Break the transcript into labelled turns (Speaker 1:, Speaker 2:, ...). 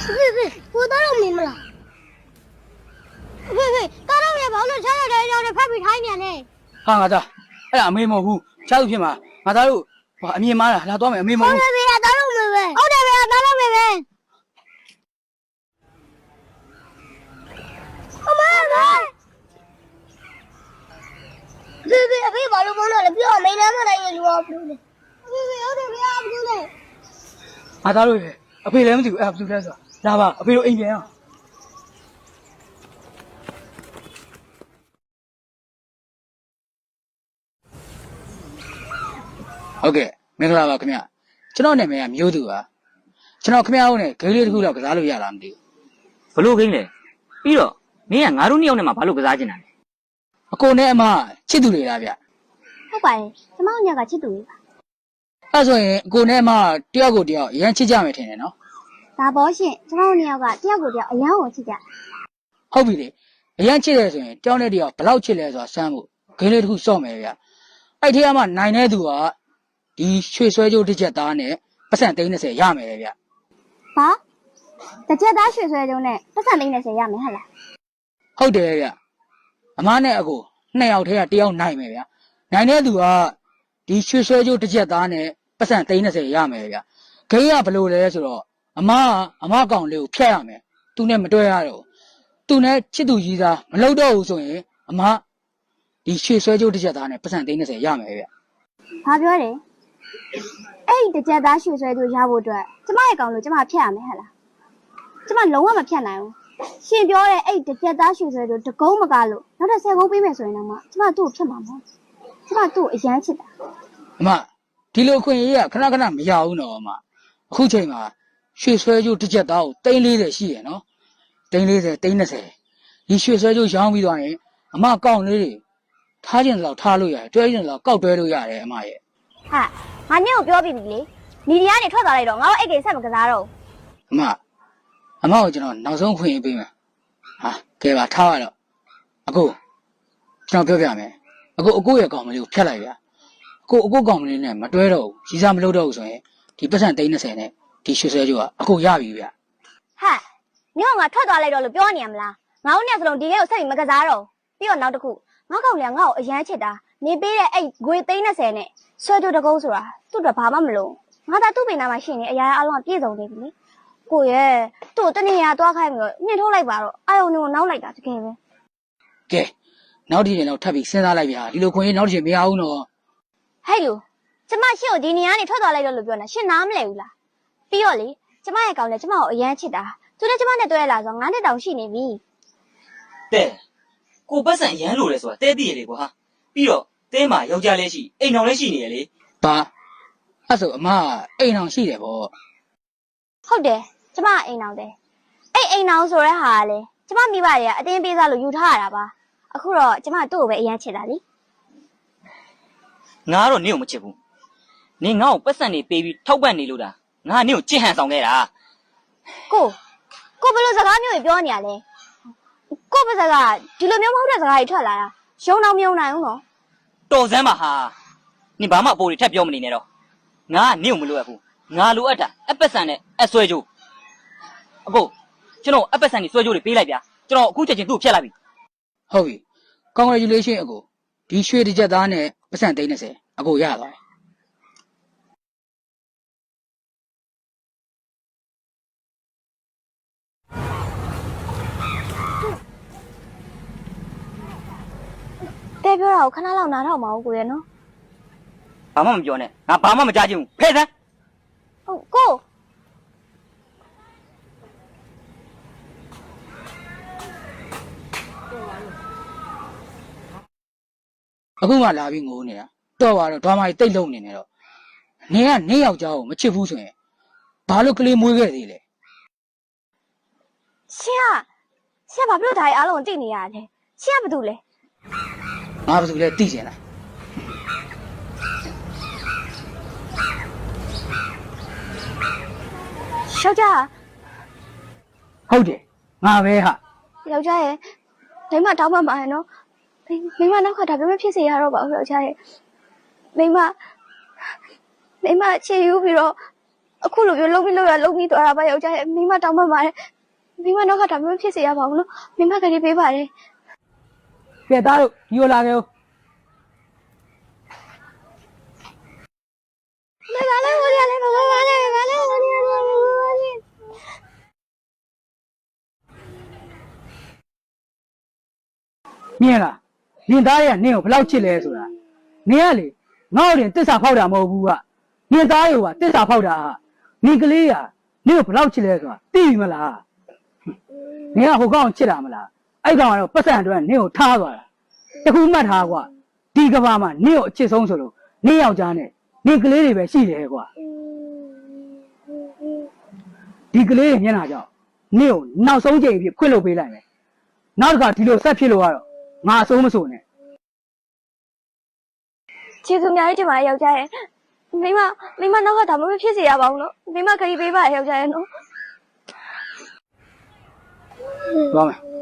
Speaker 1: 我当然明白了。当然也跑了，现在这要是拍比太年嘞。
Speaker 2: ဟာငါသားအဲ့ဒါအမေမဟုတ်ဘူးချားသူဖြစ်မှာငါသားတို့အမြင်မားတာလာတော့မယ်အမေမဟုတ်ဘူး
Speaker 1: 当然明白。好的，当然明白。阿妈，别把路崩了，不要没那么大一路不对。好的，不要不对。
Speaker 2: ငါသားတို့ရဲ့အဖေလည်းမသိဘူးအဲ့ဘာလို့လဲဆိုတော့လာပါအဖေတို့အိမ်ပြန်အောင်ဟုတ်ကဲ့မင်္ဂလာပါခင်ဗျကျွန်တော်နာမည်ကမျိုးသူပါကျွန်တော်ခင်ဗျားတို့နဲ့ဂိမ်းလေးတစ်ခုတော့ကစားလို့ရလားမသိဘူး
Speaker 3: ဘလို့ခိန်းလဲပြီးတော့မင်းကငါတို့နှစ်ယောက်နဲ့မှဘာလို့ကစားချင်တာလဲ
Speaker 2: အကိုနဲ့အမချစ်သူတွေလားဗျ
Speaker 1: ဟုတ်ပါတယ်ကျမတို့ညကချစ်သူလေးပါ
Speaker 2: အဲ့ဆိုရင်အကိုနဲ့အမတယောက်ကိုတယောက်အရန်ချစ်ကြမယ်ထင်တယ်နော်
Speaker 1: ဒါပေါ့ရှင်ကျမတို့ညကတယောက်ကိုတယောက်အရန်ကိုချစ်ကြ
Speaker 2: ဟုတ်ပြီလေအရန်ချစ်တယ်ဆိုရင်တယောက်နဲ့တယောက်ဘယ်လောက်ချစ်လဲဆိုတာစမ်းဖို့ဂိမ်းလေးတစ်ခုစော့မယ်ဗျအဲ့ထဲမှာနိုင်တဲ့သူကဒီရွှေဆွဲကြိုးတစ်ချက်သားနဲ့ပတ်စံ30ရမယ်ဗျ
Speaker 1: ဘာတစ်ချက်သားရွှေဆွဲကြုံနဲ့ပတ်စံ30ရမယ်ဟဲ့လား
Speaker 2: ဟုတ်တယ်ဗျအမနဲ့အကိုနှစ်ယောက်ထဲကတယောက်နိုင်မယ်ဗျနိုင်တဲ့သူကဒီရွှေဆွဲကြိုးတစ်ချက်သားနဲ့ပတ်စံ30ရမယ်ဗျဂိမ်းကဘယ်လိုလဲဆိုတော့အမကောင်လေးကိုဖျက်ရမယ်သူနဲ့မတွဲရတော့သူနဲ့ချစ်သူကြီးသားမလုပ်တော့ဘူးဆိုရင်အမဒီရွှေဆွဲကြိုးတစ်ချက်သားနဲ့ပတ်စံ30ရမယ်ဗျ
Speaker 1: ဘာပြောတယ်အဲ့ဒီတစ်ချက်သားရွှေဆွဲကြုံရဖို့အတွက်ကျမရဲ့ကောင်လို့ကျမဖြတ်ရမယ်ဟဲ့လားကျမလုံးဝမဖြတ်နိုင်ဘူးရှင်ပြောတဲ့အဲ့ဒီတစ်ချက်သားရွှေဆွဲကြုံတကုန်းမကားလို့နောက်ထပ်10ကုန်းပေးမယ်ဆိုရင်တော့မှကျမသူ့ကိုဖြတ်မှာမဟုတ်ကျမသူ့ကိုအရန်ချစ်တာ
Speaker 2: အမဒီလိုခွင့်ရေးကခဏခဏမရဘူးနော်အမအခုချိန်မှာရွှေဆွဲကြိုးတစ်ချက်သားကို340ရှိရနော်340 30ဒီရွှေဆွဲကြိုးရောင်းပြီးသွားရင်အမကောက်လေးတွေထားခြင်းလောက်ထားလို့ရတယ်တွဲခြင်းလောက်ကောက်တွဲလို့ရတယ်အမရဲ့
Speaker 1: ဟာငါညကိုပြောပြီးပြီလေညီဒီကနေထွက်သွားလိုက်တော့ငါတို့အဲ့ကိစ္စမကစားတော့
Speaker 2: အမကိုကျွန်တော်နောက်ဆုံးခွင့်ရေးပေးမယ်ဟာကဲပါထားရတော့အခုကျွန်တော်ပြောပြမယ်အခုရဲ့ကောင်မလေးကိုဖျက်လိုက်ဗျာအခုကောင်မလေးနဲ့မတွဲတော့ဘူးရီစားမလုပ်တော့ဘူးဆိုရင်ဒီပတ်စံ30နဲ့ဒီရွှေဆွဲကြိုးကအခုရပြီဗျာ
Speaker 1: ဟာညငါထွက်သွားလိုက်တော့လို့ပြောနေရမလားငါတို့နဲ့စလုံးဒီကိကိုဆက်ပြီးမကစားတော့ပြီးတော့နောက်တစ်ခုငါကောင်လေးကငါ့ကိုအရန်ချစ်တာနေပေးတဲ့အဲ့ငွေ30နဲ့ဆွဲကြိုးတကုန်းဆိုတာသူ့တော့ဘာမှမလို့ငါသာသူ့ပင်နာမှာရှိနေအရာအလုံးကပြည့်စုံနေပြီလေကိုရဲ့သူ့တနေ့ရသွားခိုင်းပြီးတော့နှင်ထုတ်လိုက်ပါတော့အာယုံကိုနောက်လိုက်တာတကယ်ပဲ
Speaker 2: ကဲနောက်တစ်ချိန်တော့ထပ်ပြီးစဉ်းစားလိုက်ဗျာဒီလိုခွင့်ရေးနောက်တစ်ချိန်မရဘူးနော်
Speaker 1: ဟဲ့လူကျမရှင့်ကိုဒီနေရာကနေထွက်သွားလိုက်တော့လို့ပြောနေရှင့်နားမလဲဘူးလားပြီးတော့လေကျမရဲ့ကောင်လည်းကျမကိုအရန်ချစ်တာသူလည်းကျမနဲ့တွဲလာဆို9နှစ်တောင်ရှိနေပြီ
Speaker 3: တဲ့ကိုပတ်စံရမ်းလို့လဲဆိုတာတဲသိရလေကွာပြီးတော့တဲမှာယောက်ျားလည်းရှိအိမ်တော်လည်းရှိနေရလေ
Speaker 2: ဘာအဲ့ဆိုအမအိမ်အောင်ရှိတယ်ဗော
Speaker 1: ဟုတ်တယ်ကျမအိမ်အောင်တယ်အဲ့အိမ်အောင်ဆိုတဲ့ဟာကလေကျမမိဘတွေကအတင်းပေးစားလို့ယူထားရတာပါအခုတော့ကျမသူ့ကိုပဲအရန်ချစ်တာလी
Speaker 3: ငါကတော့နင့်ကိုမချစ်ဘူးနင်ငါ့ကိုပတ်စံနေပေးပြီးထောက်ပံ့နေလို့တာငါနင့်ကိုကြစ်ဟန်ဆောင်ခဲ့တာ
Speaker 1: ကိုဘယ်လိုစကားမျိုးတွေပြောနေရလဲကိုပါစကားဒီလိုမျိုးမဟုတ်တဲ့စကားတွေထွက်လာတာရုံတော့မယုံနိုင်ဘူးနော်
Speaker 3: တော်စမ်းပါဟာနင်ဘာမှအပေါ်တွေထပ်ပြောမနေနဲ့တော့ငါကနင့်ကိုမလိုအပ်ဘူးငါလိုအပ်တာအပတ်စံနဲ့အဆွဲကြိုးအခုကျွန်တော်အပတ်စံနေဆွဲကြိုးတွေပေးလိုက်ဗျာကျွန်တော်အခုချက်ချင်းသူ့ကိုဖျက်လိုက်ပြီ
Speaker 2: ဟုတ်ပြီ congratulation အကိုဒီရွှေတစ်ချက်သားနဲ့ပတ်စံ30အကိုရသွားပြီ
Speaker 1: တဲပြောတာကိုခဏလောက်နားထောင်ပါဦးကိုရဲ့နော်
Speaker 3: ဘာမှမပြောနဲ့ငါဘာမှမကြားချင်ဘူးဖဲ့စမ်း
Speaker 1: ဟုတ်ကို
Speaker 2: အခုမှလာပြီးငိုးနေတာတော့ပါတော့ဒွားမကြီးတိတ်လုံနေနေတော့နင်ကနင့်ယောက်ျားကိုမချစ်ဘူးဆိုရင်ဘာလို့ကလေးမွေးခဲ့သေးလဲ
Speaker 1: ရှင်ကဘာဖြစ်လို့ဒါကြီးအားလုံးသိနေရလဲရှင်ကဘာလုပ်လဲ
Speaker 2: ငါဘာလို့လဲသိချင်လား
Speaker 1: ယောက်ျား
Speaker 2: ဟုတ်တယ်ငါပဲဟာ
Speaker 1: ယောက်ျားရဲ့မိမတောင်းပန်ပါရဲ့နော်မိမနောက်ခါဒါပြမဖြစ်စေရတော့ပါဘူးယောက်ျားရဲ့မိမချေယူပြီးတော့အခုလိုမျိုးလုံးပြီးသွားတာပါယောက်ျားရဲ့မိမတောင်းပန်ပါတယ်မိမတော့ကဒါမျိုးဖြစ်စေရပါဘူးနော်မိမကလေးပေးပါတယ်
Speaker 2: ကဲသားတို့ဒီလိုလာခဲ့ဦး
Speaker 1: ဘာလဲဘာလဲဘာလဲဘာလဲဘာလဲဘာလဲ
Speaker 2: မြင်လားနင်သားရဲ့နင့်ကိုဘယ်လောက်ချစ်လဲဆိုတာနင်ကလေငါ့ကိုတင်တစ္ဆာဖောက်တာမဟုတ်ဘူးကနင်သားရဲ့ကတစ္ဆာဖောက်တာဟာနင်ကလေးကနင့်ကိုဘယ်လောက်ချစ်လဲဆိုတာသိပြီမလားနင်ကဟိုကောင်ချစ်တာမလားအဲ့ကောင်ကတော့ပတ်စံအတွက်နင့်ကိုထားသွားတာတခုမှတ်ထားကွာဒီကဘာမှာနင့်ကိုအချစ်ဆုံးဆိုလို့နင့်ယောက်ျားနဲ့နင်ကလေးတွေပဲရှိတယ်ကွာဒီကလေးတွေမျက်နှာကြောင့်နင့်ကိုနောက်ဆုံးချိန်ဖြစ်ခွင့်လို့ပေးလိုက်မယ်နောက်တစ်ခါဒီလိုဆက်ဖြစ်လို့ကတော့ငါအစိုးမစိုးနဲ့
Speaker 1: ကျေးဇူးအများကြီးတင်ပါတယ်ယောက်ျားရဲ့မိမနောက်ကဒါမျိုးဖြစ်စေရပါဘူးနော်မိမကလေးပေးပါတယ်ယောက်ျားရဲ့နော်
Speaker 2: သွားမယ်